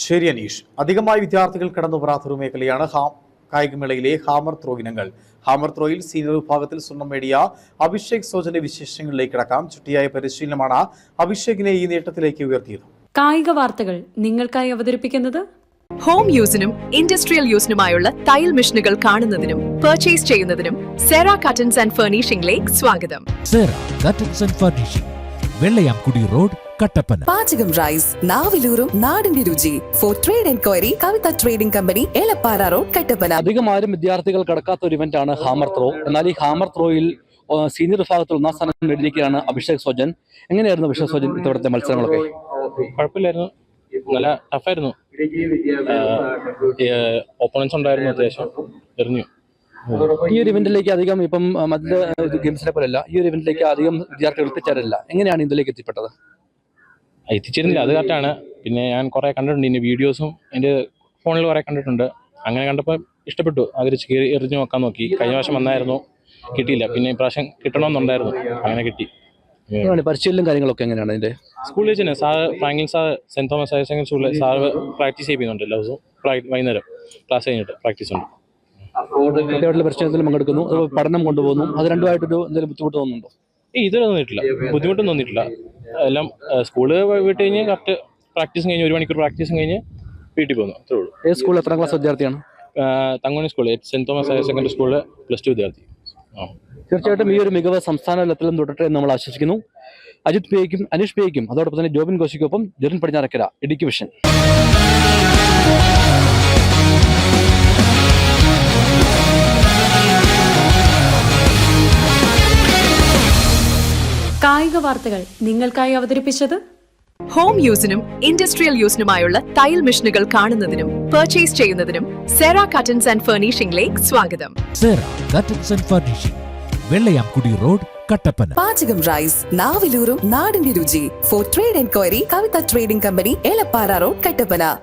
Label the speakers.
Speaker 1: ശരി അനീഷ്. അധികമായി വിദ്യാർത്ഥികൾ കടന്നുവരാത്തൊരു മേഖലയാണ് കായികമേളയിലെ ഹാമർ ത്രോ ഇനങ്ങൾ. ഹാമർ ത്രോയിൽ സീനിയർ വിഭാഗത്തിൽ സ്വർണം നേടിയ അഭിഷേക് സോജന്റെ വിശേഷങ്ങളിലേക്ക് കടക്കാം. ചുട്ടിയായ പരിശീലനമാണ് അഭിഷേകിനെ ഈ നേട്ടത്തിലേക്ക് ഉയർത്തിയത്.
Speaker 2: കായിക വാർത്തകൾ നിങ്ങൾക്കായി അവതരിപ്പിക്കുന്നത്
Speaker 3: ഹോം യൂസിനും ഇൻഡസ്ട്രിയൽ യൂസിനുമായുള്ള തയ്യൽ മെഷീനുകൾ കാണുന്നതിനും പർച്ചേസ് ചെയ്യുന്നതിനും സെറ കട്ടൻസ് ആൻഡ് ഫർണിഷിംഗിലേക്ക് സ്വാഗതം.
Speaker 4: Sera curtains and furnishing, Vellayamkudy road, Kattappana.
Speaker 5: Pachakam rice, നാവിലൂറും നാടിന്റെ രുചി. For trade enquiry Kavitha trading company, Elappara road, Kattappana.
Speaker 6: അധികം ആരും വിദ്യാർത്ഥികൾ കടക്കാത്ത ഒരു ഇവന്റാണ് ഹാമർ ത്രോ. എന്നാൽ ഈ ഹാമർ ത്രോയിൽ സീനിയർ വിഭാഗത്തിൽ ഒന്നാം സ്ഥാനം നേടിയിരിക്കുകയാണ് അഭിഷേക് സോജൻ. എങ്ങനെയായിരുന്നു അഭിഷേക് സോജൻ ഇത്തവണത്തെ മത്സരങ്ങളൊക്കെ?
Speaker 7: കുഴപ്പമില്ലായിരുന്നു, നല്ല ടഫായിരുന്നു. ഓപ്പണൻസ് ഉണ്ടായിരുന്നു, അത്യാവശ്യം എറിഞ്ഞു.
Speaker 6: ഈ ഒരു ഇവന്റിലേക്ക് അധികം ഇപ്പം മറ്റ് ഗെയിംസിനെ പോലെയല്ല, ഈ ഒരു ഇവന്റിലേക്ക് അധികം വിദ്യാർത്ഥികൾ എത്തിച്ചേരില്ല. എങ്ങനെയാണ് ഇതിലേക്ക് എത്തിപ്പെട്ടത്?
Speaker 7: എത്തിച്ചിരുന്നില്ല, അത് കറക്റ്റാണ്. പിന്നെ ഞാൻ കുറേ കണ്ടിട്ടുണ്ട്, ഇതിൻ്റെ വീഡിയോസും എൻ്റെ ഫോണിൽ കുറേ കണ്ടിട്ടുണ്ട്. അങ്ങനെ കണ്ടപ്പോൾ ഇഷ്ടപ്പെട്ടു, അവർ എറിഞ്ഞു നോക്കാൻ നോക്കി. കഴിഞ്ഞ പ്രാവശ്യം വന്നായിരുന്നു, കിട്ടിയില്ല. പിന്നെ ഇപ്രാവശ്യം കിട്ടണമെന്നുണ്ടായിരുന്നു, അങ്ങനെ കിട്ടി.
Speaker 6: പരിശീലനം കാര്യങ്ങളൊക്കെ എങ്ങനെയാണ് ഇതിന്റെ?
Speaker 7: സ്കൂളിൽ വെച്ച് തന്നെ sir Franklin sir, saint Thomas higher secondary സ്കൂളിൽ സാർ പ്രാക്ടീസ് ചെയ്യുന്നുണ്ട്. എല്ലാ ദിവസവും വൈകുന്നേരം ക്ലാസ് കഴിഞ്ഞിട്ട് പ്രാക്ടീസ് ഉണ്ട്.
Speaker 6: കുട്ടികളുടെ പരിശീലനത്തിൽ പങ്കെടുക്കുന്നു, പഠനം കൊണ്ടുപോകുന്നു. അത് രണ്ടുമായിട്ടൊരു എന്തെങ്കിലും ബുദ്ധിമുട്ട് തോന്നുന്നുണ്ടോ?
Speaker 7: ഇതുവരെ തോന്നിയിട്ടില്ല, ബുദ്ധിമുട്ടൊന്നും തോന്നിയിട്ടില്ല. എല്ലാം സ്കൂള് വിട്ട് കഴിഞ്ഞ് കറക്റ്റ് പ്രാക്ടീസും കഴിഞ്ഞ് 1 മണിക്കൂർ പ്രാക്ടീസും കഴിഞ്ഞ് വീട്ടിൽ പോകുന്നു, അത്രേ ഉള്ളൂ.
Speaker 6: ഏത് സ്കൂളിൽ എത്രാം ക്ലാസ് വിദ്യാർത്ഥിയാണ്?
Speaker 7: Thankamani school, saint Thomas higher secondary സ്കൂളിൽ +2 വിദ്യാർത്ഥി.
Speaker 6: തീർച്ചയായിട്ടും ഈ ഒരു മികവ് സംസ്ഥാന തലത്തിലും തുടരട്ടെ എന്ന് നമ്മൾ ആശംസിക്കുന്നു. അജിത് പേയ്ക്കും അനീഷ് പേയ്ക്കും അതോടൊപ്പം തന്നെ ജോബിൻ കോശിക്കൊപ്പം ജെറിൻ പടിഞ്ഞാറക്കര, ഇടുക്കി വിഷൻ.
Speaker 2: കായിക വാർത്തകൾ നിങ്ങൾക്കായി അവതരിപ്പിച്ചത്
Speaker 3: ഹോം യൂസിനും ഇൻഡസ്ട്രിയൽ യൂസിനുമായുള്ള തയ്യൽ മെഷീനുകൾ കാണുന്നതിനും പർച്ചേസ് ചെയ്യുന്നതിനും സെറ കട്ടൻസ് ആൻഡ് ഫർണിഷിംഗിലേക്ക് സ്വാഗതം.
Speaker 4: Sera curtains and furnishing, Vellayamkudy road, Kattappana.
Speaker 5: Pachakam rice, നാവിലൂറും നാടിന്റെ രുചി. For trade enquiry Kavitha trading company, Elappara road, Kattappana.